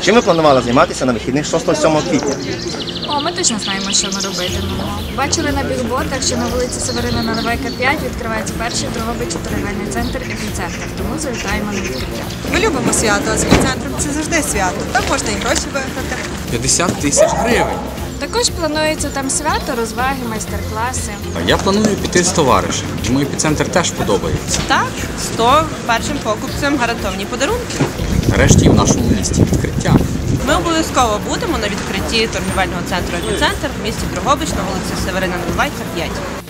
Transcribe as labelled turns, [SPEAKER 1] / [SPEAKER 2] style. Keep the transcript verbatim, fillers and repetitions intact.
[SPEAKER 1] Чим ви планували займатися на вихідних шостого-сьомого квітня?
[SPEAKER 2] О, ми точно знаємо, що ми робитимемо. Бачили на бігботах, що на вулиці Северина Наливайка п'ять відкривається перший в Дрогобичі торгівельний центр «Епіцентр». Тому завітаємо на відкриття.
[SPEAKER 3] Ми любимо свято, а з епіцентром це завжди свято. Там можна і гроші виграти.
[SPEAKER 4] п'ятдесят тисяч гривень.
[SPEAKER 2] Також планується там свято, розваги, майстер-класи.
[SPEAKER 4] А я планую піти з товаришем. Йому епіцентр теж подобається.
[SPEAKER 3] Так, сто першим покупцям гарантовані подарунки.
[SPEAKER 4] Нарешті в нашому місті відкриття.
[SPEAKER 3] Ми обов'язково будемо на відкритті торгівельного центру «Епіцентр» в місті Дрогобич на вулиці Северина Наливайка п'ять.